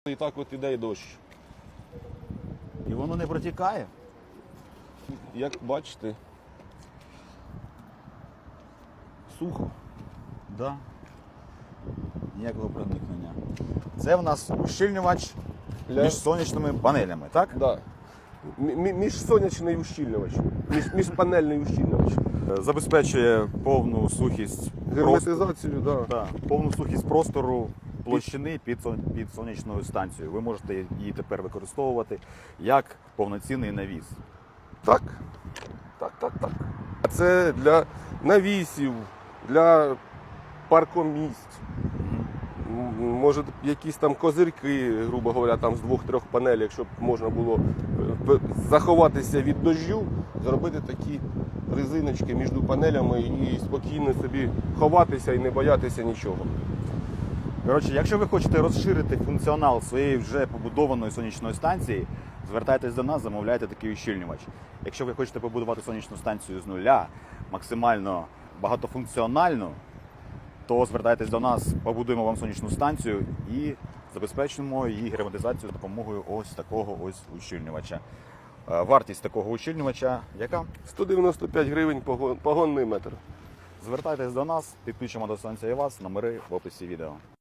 І так от іде і дощ. І воно не протікає? Як бачите, сухо. Да. Ніякого проникнення. Це в нас ущільнювач між сонячними панелями, так? Да. Міжсонячний ущільнювач. Міжпанельний ущільнювач. Забезпечує повну сухість Герметизацію, да. Да, повну сухість простору площини під сонячною станцією. Ви можете її тепер використовувати як повноцінний навіс. Так. Так. А це для навісів, для паркомісць. Може, якісь там козирки, грубо говоря, там з 2-3 панелей, щоб можна було заховатися від дощу, зробити такі резиночки між панелями і спокійно собі ховатися і не боятися нічого. Коротше, якщо ви хочете розширити функціонал своєї вже побудованої сонячної станції, звертайтесь до нас, замовляйте такий ущільнювач. Якщо ви хочете побудувати сонячну станцію з нуля, максимально багатофункціональну, то звертайтесь до нас, побудуємо вам сонячну станцію і забезпечимо її герметизацію за допомогою ось такого ось ущільнювача. Вартість такого ущільнювача яка? 195 гривень погонний метр. Звертайтесь до нас, підключимо до станції вас, номери в описі відео.